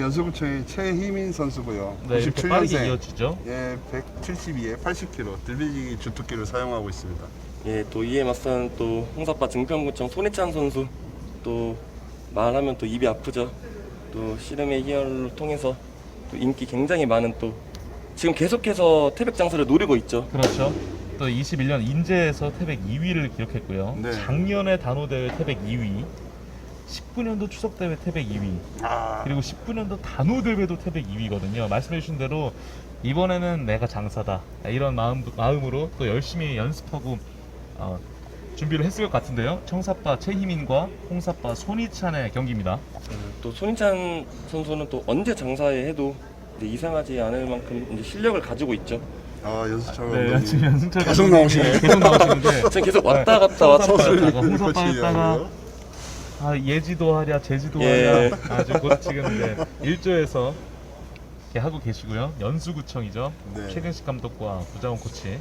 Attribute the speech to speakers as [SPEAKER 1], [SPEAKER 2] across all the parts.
[SPEAKER 1] 연수구청의 최희민 선수고요.
[SPEAKER 2] 네, 이렇게 빠르게
[SPEAKER 1] 97년생.
[SPEAKER 2] 이어지죠.
[SPEAKER 1] 예, 172에 80kg 들배지기 주특기를 사용하고 있습니다.
[SPEAKER 3] 예, 또 이에 맞선 또 홍사파 증평구청 손희찬 선수 또 말하면 또 입이 아프죠. 또 씨름의 희열을 통해서 또 인기 굉장히 많은 또 지금 계속해서 태백 장사를 노리고 있죠.
[SPEAKER 2] 그렇죠. 또 21년 인제에서 태백 2위를 기록했고요.
[SPEAKER 1] 네.
[SPEAKER 2] 작년에 단호대회 태백 2위, 19년도 추석대회 태백 2위,
[SPEAKER 1] 아,
[SPEAKER 2] 그리고 19년도 단호대회도 태백 2위거든요. 말씀해주신 대로 이번에는 내가 장사다 이런 마음으로 또 열심히 연습하고 준비를 했을 것 같은데요. 청사파 최희민과 홍사파 손희찬의 경기입니다.
[SPEAKER 3] 또 손희찬 선수는 또 언제 장사에 해도 이제 이상하지 않을 만큼 이제 실력을 가지고 있죠.
[SPEAKER 1] 연수철
[SPEAKER 2] 네,
[SPEAKER 1] 감독님.
[SPEAKER 2] 지금 연승철
[SPEAKER 1] 계속
[SPEAKER 2] 감독님이
[SPEAKER 1] 나오시네요.
[SPEAKER 2] 계속 나오시는데
[SPEAKER 3] 지금 계속 왔다 갔다 왔다 갔다.
[SPEAKER 2] 청사파였다가 홍사파였다가
[SPEAKER 1] 코치하고요.
[SPEAKER 2] 예지도 하랴 제지도
[SPEAKER 3] 예.
[SPEAKER 2] 하랴 아주 곧 지금 이제 일조에서 이렇게 하고 계시고요. 연수구청이죠.
[SPEAKER 1] 네.
[SPEAKER 2] 최근식 감독과 구자원 코치.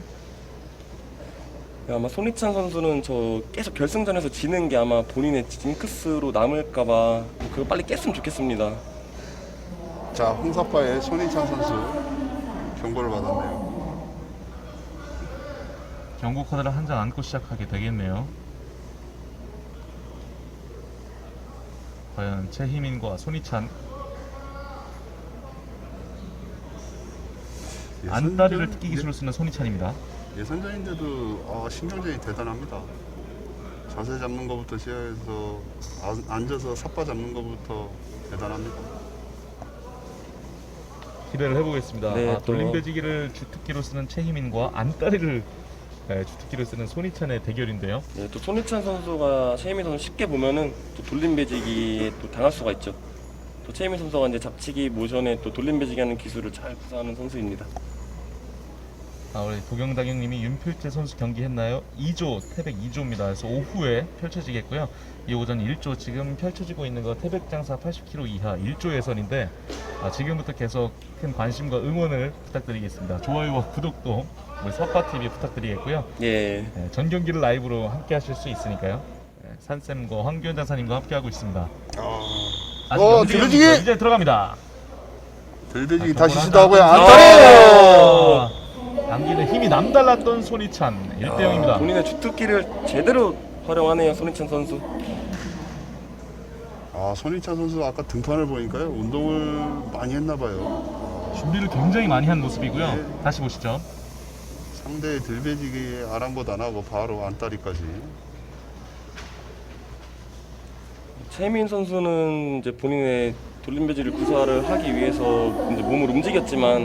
[SPEAKER 3] 아마 손희찬 선수는 저 계속 결승전에서 지는 게 아마 본인의 징크스로 남을까봐 그거 빨리 깼으면 좋겠습니다.
[SPEAKER 1] 자, 홍사파의 손희찬 선수 경고를 받았네요.
[SPEAKER 2] 경고 카드를 한 장 안고 시작하게 되겠네요. 과연 최희민과 손희찬 안다리를 뜯기 기술을 쓰는 손희찬입니다.
[SPEAKER 1] 예선전인데도 신경전이 대단합니다. 자세 잡는 것부터 시작해서 앉아서 삿바 잡는 것부터 대단합니다.
[SPEAKER 2] 기대를 해보겠습니다.
[SPEAKER 3] 네, 또-
[SPEAKER 2] 돌림배지기를 주특기로 쓰는 최희민과 안다리를 주특기로 쓰는 손희찬의 대결인데요.
[SPEAKER 3] 네, 또 손희찬 선수가 최혜민 선수 쉽게 보면은 또 돌림배지기에 또 당할 수가 있죠. 또 최혜민 선수가 이제 잡치기 모션에 또 돌림배지기 하는 기술을 잘 구사하는 선수입니다.
[SPEAKER 2] 우리 도경당형님이 윤필재 선수 경기했나요? 2조, 태백 2조입니다. 그래서 오후에 펼쳐지겠고요. 이 오전 1조 지금 펼쳐지고 있는 거 태백장사 80kg 이하 1조 예선인데 지금부터 계속 큰 관심과 응원을 부탁드리겠습니다. 좋아요와 구독도 우리 서파TV 부탁드리겠고요.
[SPEAKER 3] 예.
[SPEAKER 2] 네, 전 경기를 라이브로 함께 하실 수 있으니까요. 네, 산쌤과 황교안 장사님과 함께 하고 있습니다. 아직 연습이
[SPEAKER 1] 들배지기!
[SPEAKER 2] 없는데 이제 들어갑니다.
[SPEAKER 1] 들배지기
[SPEAKER 2] 자,
[SPEAKER 1] 다시
[SPEAKER 2] 경고를
[SPEAKER 1] 시도하고요.
[SPEAKER 2] 한다.
[SPEAKER 1] 안다리!
[SPEAKER 2] 당기는 힘이 남달랐던 손희찬 1대0입니다.
[SPEAKER 3] 본인의 주특기를 제대로 활용하네요, 손희찬 선수.
[SPEAKER 1] 손희찬 선수 아까 등판을 보니까요. 운동을 많이 했나 봐요.
[SPEAKER 2] 준비를 굉장히 많이 한 모습이고요.
[SPEAKER 1] 네.
[SPEAKER 2] 다시 보시죠.
[SPEAKER 1] 상대의 들배지기에 아랑곳 안 하고 바로 안다리까지.
[SPEAKER 3] 최혜민 선수는 이제 본인의 돌림배지를 구사를 하기 위해서 이제 몸을 움직였지만